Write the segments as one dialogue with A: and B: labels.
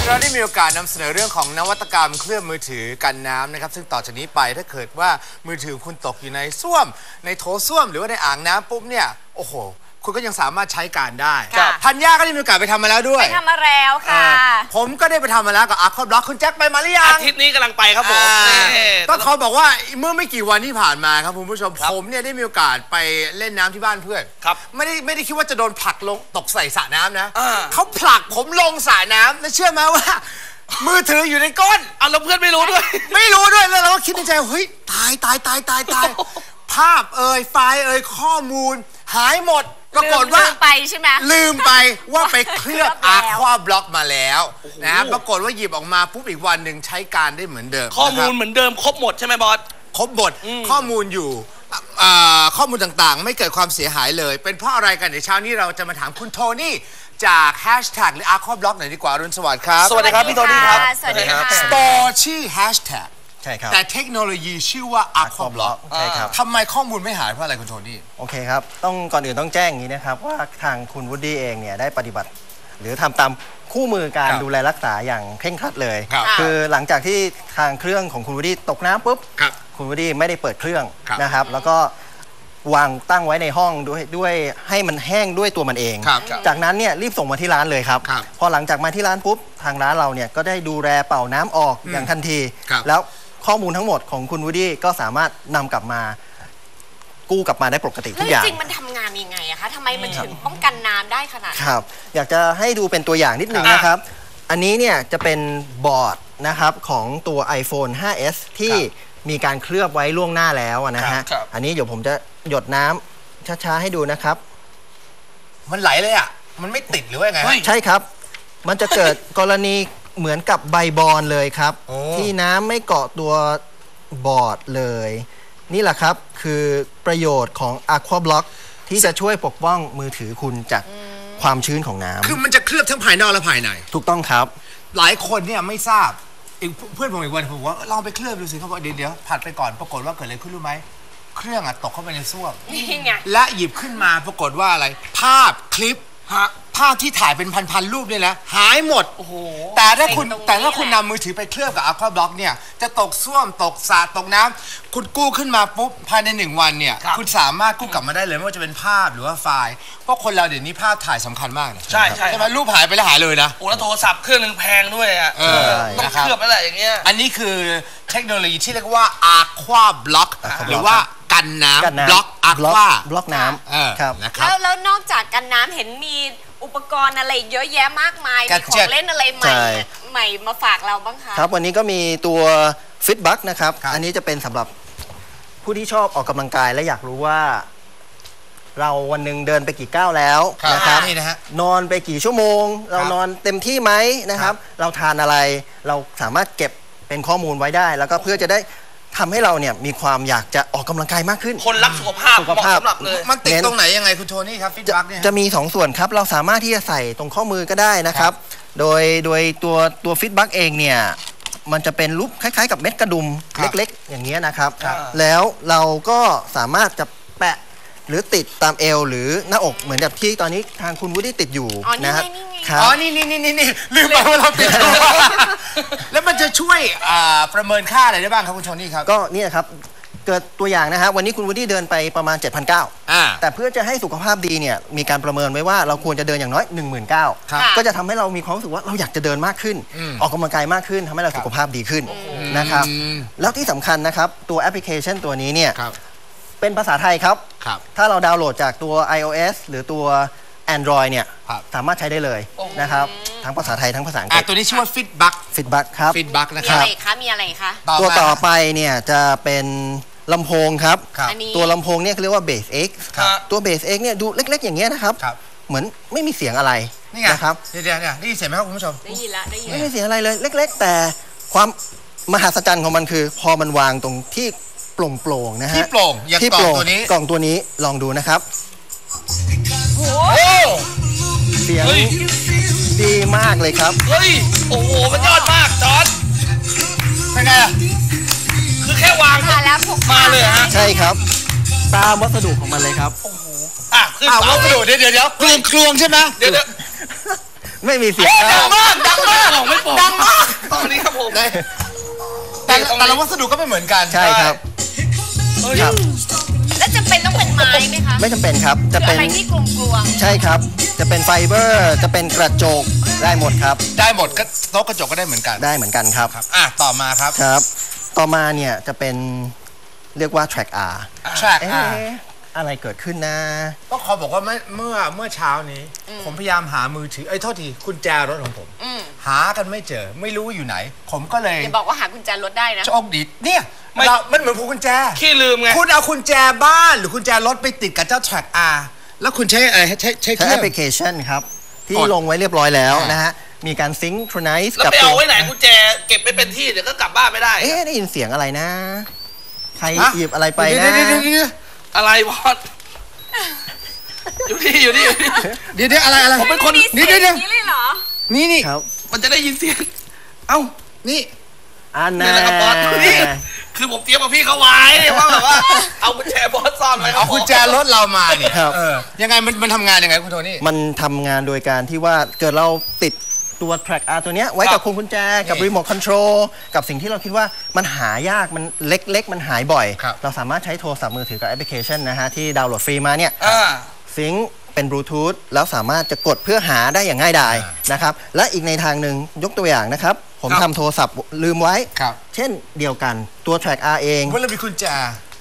A: เราได้มีโอกาสนำเสนอเรื่องของนวัตกรรมเครื่องมือถือกันน้ำนะครับซึ่งต่อจากนี้ไปถ้าเกิดว่ามือถือคุณตกอยู่ในส้วมในโถส้วมหรือว่าในอ่างน้ำปุ๊บเนี่ยโอ้โหคุณก็ยังสามารถใช้การได้ธัญญาก็ได้มีโอกาสไปทำมาแล้วด้วย
B: ไปทำมาแล้วค่ะ
A: ผมก็ได้ไปทำมาแล้วกับอาร์คบล็อกคุณแจ็คไปมาหรือยัง
C: อาทิตย์นี้กำลังไปครับผม
A: ต้องเขาบอกว่าเมื่อไม่กี่วันที่ผ่านมาครับคุณผู้ชมผมเนี่ยได้มีโอกาสไปเล่นน้ำที่บ้านเพื่อนไม่ได้คิดว่าจะโดนผลักลงตกใส่สระน้ำนะเขาผลักผมลงสระน้ำแล้วเชื่อไหมว่ามือถืออยู่ในก้น
C: แล้วเพื่อนไม่รู้ด้วย
A: แล้วเราก็คิดในใจเฮ้ยตายภาพไฟล์ข้อมูลหายหมดปรากฏว่าลืมไปใช่ไหมลืมไปว่าไปเคลือบอาควาบล็อกมาแล้วนะปรากฏว่าหยิบออกมาปุ๊บอีกวันหนึ่งใช้การได้เหมือนเดิม
C: ข้อมูลเหมือนเดิมครบหมดใช่ไหมบอส
A: ครบหมดข้อมูลอยู่ข้อมูลต่างๆไม่เกิดความเสียหายเลยเป็นเพราะอะไรกันเดี๋ยวเช้านี้เราจะมาถามคุณโทนี่จากแฮชแท็กหรืออาควาบล็อกหน่อยดีกว่ารุ่นสวัสดิ์ครับ
C: สวัสดีครับพี่โทนี่ครับ
B: สวัสดีครับ
A: สตอร์ชื่อแฮชแท็ก
D: ใช่ครับ
A: แต่เทคโนโลยีชื่อว่า Aquablock
D: ใช่ครับ
A: ทำไมข้อมูลไม่หายเพราะอะไรคุณโทนี่
D: โอเคครับก่อนอื่นต้องแจ้งอย่างนี้นะครับว่าทางคุณวูดดี้เองเนี่ยได้ปฏิบัติหรือทำตามคู่มือการดูแลรักษาอย่างเคร่งครัดเลยคือหลังจากที่ทางเครื่องของคุณวูดดี้ตกน้ำปุ๊บคุณวูดดี้ไม่ได้เปิดเครื่องนะครับแล้วก็วางตั้งไว้ในห้องด้วยให้มันแห้งด้วยตัวมันเองจากนั้นเนี่ยรีบส่งมาที่ร้านเลยครับพอหลังจากมาที่ร้านปุ๊บทางร้านเราเนี่ยก็ได้ดูแลเป่าน้ำออกอย่างทันทีแล้วข้อมูลทั้งหมดของคุณวูดดี้ก็สามารถนำกลับมากู้กลับมาได้ปกติทุกอย่าง
B: จริงมันทำงานยังไงอะคะทำไมมันถึงป้องกันน้ำได้ขนาดนี้
D: ครับอยากจะให้ดูเป็นตัวอย่างนิดนึงนะครับอันนี้เนี่ยจะเป็นบอร์ดนะครับของตัว iPhone 5s ที่มีการเคลือบไว้ล่วงหน้าแล้วนะฮะอันนี้เดี๋ยวผมจะหยดน้ำช้าๆให้ดูนะครับ
A: มันไหลเลยอ่ะมันไม่ติดหรือว่าไง
D: ใช่ครับมันจะเกิดกรณีเหมือนกับใบบอลเลยครับที่น้ำไม่เกาะตัวบอร์ดเลยนี่แหละครับคือประโยชน์ของ Aquablock ที่จะช่วยปกป้องมือถือคุณจากความชื้นของน้ำ
A: คือมันจะเคลือบทั้งภายนอกและภายใน
D: ถูกต้องครับ
A: หลายคนเนี่ยไม่ทราบเพื่อนผมอีกวันผมว่าลองไปเคลือบดูสิเขาบอกเดี๋ยวผัดไปก่อนปรากฏว่าเกิดอะไรขึ้นรู้ไหมเครื่องตกเข้าไปในส้วมและหยิบขึ้นมาปรากฏว่าอะไรภาพคลิปภาพที่ถ่ายเป็นพันรูปเนี่ยนะหายหมดแต่ถ้าคุณนำมือถือไปเคลือบกับ Aquablock เนี่ยจะตกส้วมตกสระตกน้ำคุณกู้ขึ้นมาปุ๊บภายใน1 วันเนี่ยคุณสามารถกู้กลับมาได้เลยไม่ว่าจะเป็นภาพหรือว่าไฟล์เพราะคนเราเดี๋ยวนี้ภาพถ่ายสำคัญมากนะ
C: ใช่
A: ไหมรูปหายไปแล้วหายเลยนะ
C: แล้วโทรศัพท์เครื่องนึงแพงด้วยอ่ะต้องเคลือบอะไรอย่างเงี้ย
A: อันนี้คือเทคโนโลยีที่เรียกว่า Aquablock หรือว่ากันน้ำบล็อก
D: บล็อกน้ำ
A: ครับ
B: แล้วนอกจากกันน้ำเห็นมีอุปกรณ์อะไรเยอะแยะมากมายมีของเล่นอะไรใหม่มาฝากเราบ้างคะ
D: ครับวันนี้ก็มีตัวฟิตบัคนะครับอันนี้จะเป็นสำหรับผู้ที่ชอบออกกำลังกายและอยากรู้ว่าเราวันหนึ่งเดินไปกี่ก้าวแล้วนะครับนอนไปกี่ชั่วโมงเรานอนเต็มที่ไหมนะครับเราทานอะไรเราสามารถเก็บเป็นข้อมูลไว้ได้แล้วก็เพื่อจะได้ทำให้เราเนี่ยมีความอยากจะออกกำลังกายมากขึ้น
C: คนรักสุขภาพสำหรับเลย
A: มันติดตรงไหนยังไงคุณโทนี่ครับฟิตบัคเนี่ย
D: จะมี2 ส่วนครับเราสามารถที่จะใส่ตรงข้อมือก็ได้นะครับโดยตัวฟิตบัคเองเนี่ยมันจะเป็นรูปคล้ายๆกับเม็ดกระดุมเล็กๆอย่างเงี้ยนะครับแล้วเราก็สามารถจะแปะหรือติดตามเอวหรือหน้าอกเหมือนแบบที่ตอนนี้ทางคุณวูดดี้ติดอยู่นะครับ
A: นี่ลืมไปว่าเราติดแล้วมันจะช่วยประเมินค่าอะไรได้บ้างครับคุณโทนี่ครับ
D: ก็นี่ครับเกิดตัวอย่างนะฮะวันนี้คุณวูดดี้เดินไปประมาณ 7,900 แต่เพื่อจะให้สุขภาพดีเนี่ยมีการประเมินไว้ว่าเราควรจะเดินอย่างน้อย 19,000 ก็จะทำให้เรามีความรู้สึกว่าเราอยากจะเดินมากขึ้นออกกำลังกายมากขึ้นทำให้เราสุขภาพดีขึ้นนะครับแล้วที่สำคัญนะครับตัวแอปพลิเคชันตัวนี้เนี่ยเป็นภาษาไทยครับถ้าเราดาวน์โหลดจากตัว iOS หรือตัว Android เนี่ยสามารถใช้ได้เลยนะครับทั้งภาษาไทยทั้งภาษาอังกฤษ
A: ตัวนี้ชื่อว่า Fitback
D: ครับ
A: Fitback นะครับ
B: มีอะไรคะ
D: ตัวต่อไปเนี่ยจะเป็นลำโพงครับตัวลำโพงเนี่ยเขาเรียกว่า Base X ตัว Base X เนี่ยดูเล็กๆอย่างเงี้ยนะครับเหมือนไม่มีเสียงอะไรนะครับ
A: เดี๋ยวได้ยินเสียงไหมครับคุณผู้ชม
B: ได้ยินละ
D: ไม่มีเสียงอะไรเลยเล็กๆแต่ความมหัศจรรย์ของมันคือพอมันวางตรงที่โปร่งๆนะฮะ
A: ที่โปร่งอย่างกล่องตัว
D: นี้ลองดูนะครับเสียงดีมากเลยครับ
C: เฮ้ยโอ้โหมันยอดมากจอร์จ
A: เป็นไง
C: คือแค่วางมาเลยฮะ
D: ใช่ครับตามวัสดุของมันเลยครับ
A: วัสดุเดี๋ยวกลวงใช่ไหม
D: ไม่มีเสียง
C: ดังมากดังมากไม่โปร่ง
A: ดังมาก
C: ตอนนี้ครับผม
A: แต่ละวัสดุก็ไม่เหมือนกัน
D: ใช่ครับครับ
B: แล้วจำเป็นต้องเป็นไม้ไหมคะ
D: ไม่จำเป็นครับจะ
B: คือ
D: เป็น
B: อะไรที่กลวง
D: ใช่ครับจะเป็นไฟเบอร์จะเป็นกระจกได้หมดครับ
A: ได้หมดก็โต๊ะกระจกก็ได้เหมือนกัน
D: ได้เหมือนกันครับ
A: ต่อมาครับ
D: ครับ ต่อมาเนี่ยจะเป็นเรียกว่า track R
A: track
D: เอ๊ะอะไรเกิดขึ้นนะ
A: ก็ขอบอกว่าเมื่อเช้านี้ ผมพยายามหามือถือโทษทีกุญแจรถของผม หากันไม่เจอไม่รู้อยู่ไหน ผมก็เลย
B: อย่าบอกว่าหากุญแจรถได้นะ
A: โชคดีเนี่ยมันเหมือนพวงกุญแจ
C: ขี้ลืมไง
A: คุณเอากุญแจบ้านหรือกุญแจรถไปติดกับเจ้า track R แล้วคุณใช้อะไรใช้เค
D: ใช้
A: รื่
D: แอ
A: อ
D: ป
A: ง
D: พลิเคชันครับที่
A: กด
D: ลงไว้เรียบร้อยแล้วนะฮะมีการซิงค์โครไนซ์
C: แล้ว
D: กับ
C: ไป
D: ตั
C: เอา
D: ว
C: ไว้ไหนกุญแจเก็บไม่เป็นที่เดี๋ยวก็กลับบ้านไม่ได้
D: เอ๊ะได้ยินเสียงอะไรนะ ใคร
A: ฮะ
D: หยิบอะไรไปนะ
C: อะไรบอสอยู่นี่
A: เดี๋ยวอะไร
C: ผมเป็นคน
B: นี่เดี๋ยวนี้เลยเหรอ
A: นี่
D: ครับ
C: มันจะได้ยินเสียงเอ้า
A: นี่
D: อัน
C: นี่
D: นั้
C: แหละครับบอสนี่คือผมเตรียมกับพี่เขาไว้ว่าแบบว่าเอากุญแจบอสซ่อนไว้
A: เอากุญแจรถเรามาเนี่ย
D: ครับ
A: ยังไงมันทำงานยังไงคุณโทนี่
D: มันทำงานโดยการที่ว่าเกิดเราติดตัว track R ตัวเนี้ยไว้กับพวงกุญแจกับ
A: นี่
D: รีโมทคอนโทรลกับสิ่งที่เราคิดว่ามันหายากมันเล็กๆ มันหายบ่อย
A: ครับ
D: เราสามารถใช้โทรศัพท์มือถือกับแอปพลิเคชันนะฮะที่ดาวน์โหลดฟรีมาเนี่ย ซิงค์เป็นบลูทูธแล้วสามารถจะกดเพื่อหาได้อย่างง่ายดายนะครับและอีกในทางหนึ่งยกตัวอย่างนะครับ ผมทำโทรศัพท์ลืมไว้
A: ครับ
D: เช่นเดียวกันตัว track R เอง
A: เมื่อเรามีกุญแจ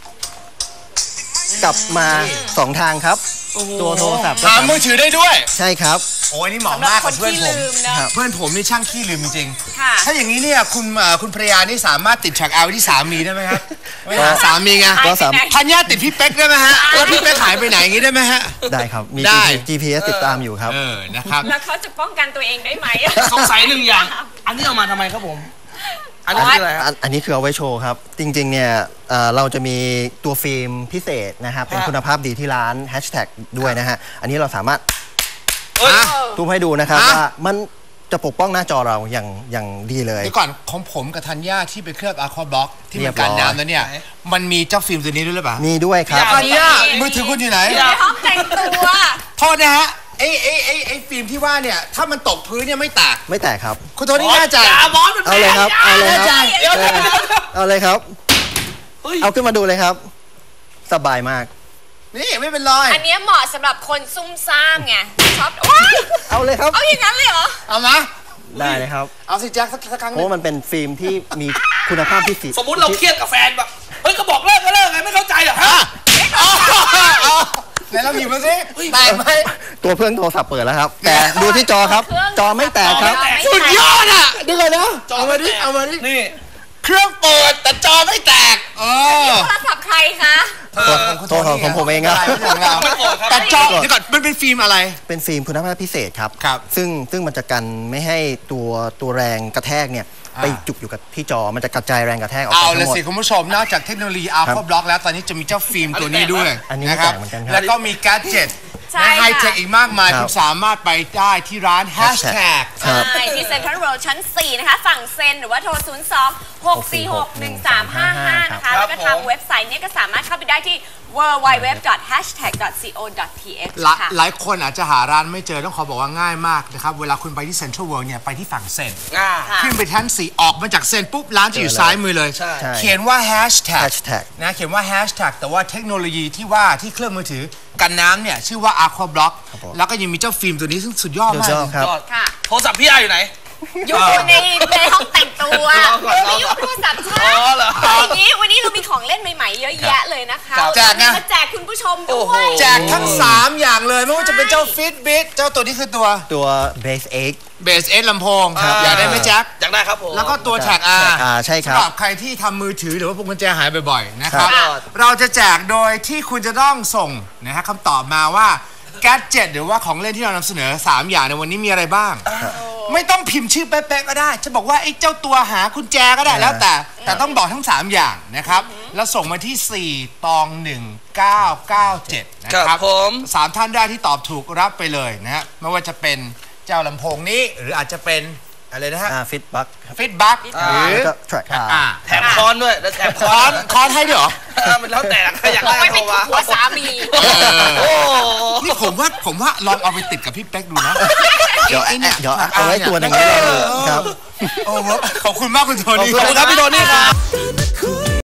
D: กลับมา 2 ทางครับ ตัวโทรศัพท์ก็
A: หา
D: สามารถ
A: มือถือได้ด้วย
D: ใช่ครับ
A: โอ้ยนี่เหมาะ
B: สำหรับ
A: มาก
B: ค
A: กับ
B: น
A: เพื่อน
B: ที่
A: ผม
B: ลืมเนอะ
A: เพื่อนผมนี่ช่างขี้ลืมจริง
B: ค่ะ
A: ถ้าอย่างนี้เนี่ยคุณภรรยานี่สามารถติดแทร็กเอาไว้ที่สามีได้ไหมครับไม่หาสามีไง
D: ก็สามารถ
A: ธัญญาติดพี่เป๊กได้ไหมฮะแล้วพี่เป๊กหายไปไหนอย่างนี้ได้ไหมฮะ
D: ได้ครับ มี
A: ได้
D: GPS ติดตามอยู่ครับ
A: นะครับ
B: แล้วเขาจะป้องกันตัวเองได้ไหม
C: สงสัยหนึ่งอย่าง อันนี้เอามาทำไมครับผม อันนี้คืออะไรครับ
D: อันนี้คือเอาไว้โชว์ครับ จริงๆเนี่ยเราจะมีตัวฟิล์มพิเศษนะครับเป็นคุณภาพดีที่ร้านแฮชแท็กด้วยนะฮะอันนี้เราสามารถ
C: เฮ้ย
D: ซูมให้ดูนะครับ
A: ฮะ
D: ว่ามันจะปกป้องหน้าจอเราอย่างดีเลย
A: เดี๋ยวก่อนของผมกับธัญญาที่ไปเคลือบอะควาบล็อกที่
D: เรี
A: มั
D: ย
A: น
D: บร้
A: กั
D: อย
A: นน้ำแล้วเนี่ยมันมีเจ้าฟิล์มตัวนี้ด้วยหรือเปล่า
D: มีด้วยครับ
A: ธัญญามือถือคุณอยู่ไหน
B: ในห้องแต่งตัว
A: โทษนะฮะไอ้ฟิล์มที่ว่าเนี่ยถ้ามันตกพื้นเนี่ยไม่แตก
D: ไม่แตกครับ
A: คุณโทนี่แน่ใจ
C: อย่าบอสมัน
D: เอาเลยครับ เอาเลยครับ
C: เดี๋ยว
D: เอาเลยครับ
C: เฮ้ย
D: เอาขึ้นมาดูเลยครับ สบายมาก
A: นี่ไม่เป็นรอย
B: อันเนี้ยเหมาะสำหรับคนซุ่มซ่ามไงชอบว้าย
D: เอาเลยครับ
B: เอาอย่างนั้นเลยเหรอ
A: เอามา
D: ได้เลยครับ
A: เอาสิแจ็คสักครั้งห
D: เพ
A: นึ
D: ราะ
A: ง
D: ว่ามันเป็นฟิล์มที่มีคุณภาพที่สี
C: สมมุติเราเครียดกับแฟนแบบเฮ้ยก็บอกเลิกก็เลิกไงไม่เข้าใจเหรอฮะ
A: ไหนเราหยิบมาสิแตกไหม
D: ตัวเครื่องโทรศัพท์เปิดแล้วครับ แต่ดูที่จอครับ จอไม่แตกครับ
A: สุดยอดอ่ะเดี๋ยวก่อนนะเอามาดิเอามาดิ
C: นี่
A: เครื่องเปิดแต่จอไม่แตก
B: โทรศัพท์ใครคะ
D: ตัวของผมเองครับ
A: แต่จอเดี๋ยวก่อนมันเป็นฟิล์มอะไร
D: เป็นฟิล์มคุณภาพพิเศษครับ
A: ครับ
D: ซึ่งมันจะกันไม่ให้ตัวแรงกระแทกเนี่ยไปจุกอยู่กับที่จอมันจะกระจายแรงกระแทกออกไป
A: เอา
D: ทั้
A: เลย
D: งหมด
A: สิคุณผู้ชมนอกจากเทคโนโลยี Alpha Block แล้วตอนนี้จะมีเจ้าฟิล์มตัวนี้ด้วย
D: อันนี้
A: นะครั
D: แปลกเหมือนกันครับ
A: แล้วก็มีแกดเจ็ต
B: ใช่
A: และไฮ
B: ค่ะ
A: เทคอีกมากมาย
D: ครับ
A: คุณสามารถไปได้ที่ร้าน Hashtag
D: ครับ
B: ใช่ที่เซ็นทรัลเวิลด์ชั้น 4 นะคะ ฝั่งเซ็นหรือว่าโทร 02-646-1355 นะคะ แล้วก็ทางเว็บไซต์เนี้ก็สามารถเข้าไปได้ที่ www.hashtag.co.th ค่ะ
A: หลายคนอาจจะหาร้านไม่เจอต้องขอบอกว่าง่ายมากนะครับ เวลาคุณไปที่เซ็นทรัลเวิลด์เนี่ยไปที่ฝั่งเซ็น
C: อ่า
B: ค่ะ
A: ขึ้นไปชั้น 4 ออกมาจากเซ็นปุ๊บ ร้านจะอยู่ซ้ายมือเลย
C: ใช่
A: เขียนว่า Hashtag
D: Hashtag
A: นะเขียนว่า Hashtag แต่ว่าเทคโนโลยีที่ว่าที่เครื่องมือถือกันน้ำเนี่ยชื่อว่า Aqua Block
D: ครับผม
A: แล้วก็ยังมีเจ้าฟิล์มตัวนี้ซึ่งสุดยอด
D: ดู
A: มาก
D: จอครับ
C: ยอด
B: ค่ะ
C: โทรศัพท์พี่อาอยู่ไหน
B: อยู่ในห้องแต่งตัว
C: รอก่อน
B: ไม่ยุ่งโทรศัพท์ฉัน
C: อ๋อเหรอ
B: เอาอย่างนี้วันนี้เรามีของเล่นใหม่ๆ เยอะแยะเลยนะคะ
A: แจกไง
B: มาแจกคุณผู้ชมด้
C: โอ้
B: ว
C: โห
B: ย
A: แจกทั้ง 3 อย่างเลยไม่ว่าจะเป็นเจ้า Fitbit เจ้าตัวนี้คือตัว
D: Base X
A: Base S ลำโพง
C: ครับ
A: อยากได้ไหมแจ็ค
C: อยากได้ครับผม
A: แล้วก็ตัว Tag R
D: Tag R ใช่ครับ
A: สำหรับใครที่ทำมือถือหรือว่าพวงกุญแจหายบ่อยๆนะครับ
C: ครับ
A: เราจะแจกโดยที่คุณจะต้องส่งนะฮะคำตอบมาว่าแกดเจ็ตหรือว่าของเล่นที่เรานำเสนอ 3 อย่างในวันนี้มีอะไรบ้าง ไม่ต้องพิมพ์ชื่อเป๊ะๆก็ได้ จะบอกว่าไอ้เจ้าตัวหากุญแจก็ได้แล้วแต่ต้องบอกทั้ง 3 อย่างนะครับ แล้วส่งมาที่ 41997 นะค
C: ครั
A: รับบ
C: ผม
A: 3 ท่านได้ที่ตอบถูกรับไปเลยนะฮะไม่ว่าจะเป็นเจ้าลำโพงนี้หรืออาจจะเป็นอะไรนะฮะ
D: Fitbug
A: ฟิตบัคหรือ
D: แล้วก็ Track R
C: แถมคอนด้วยแล้วแถมค
A: ค
C: อ
A: อน นคอนให้ด้วยเหรอ
C: มันแล้วแต่ใครอยาก
B: บอก
C: ได้
B: ไว้เป็น
C: โทรมา
B: หัวสามี
C: โอ้
A: นี่ผมว่าลองเอาไปติดกับพี่เป๊กดูนะ
D: เดี๋ยวเอาไว้ตัวหนึ่งครับ
A: โอ้ขอบคุณมากคุณโทนี่
C: ขอบคุณครับพี่โทนี่ครับ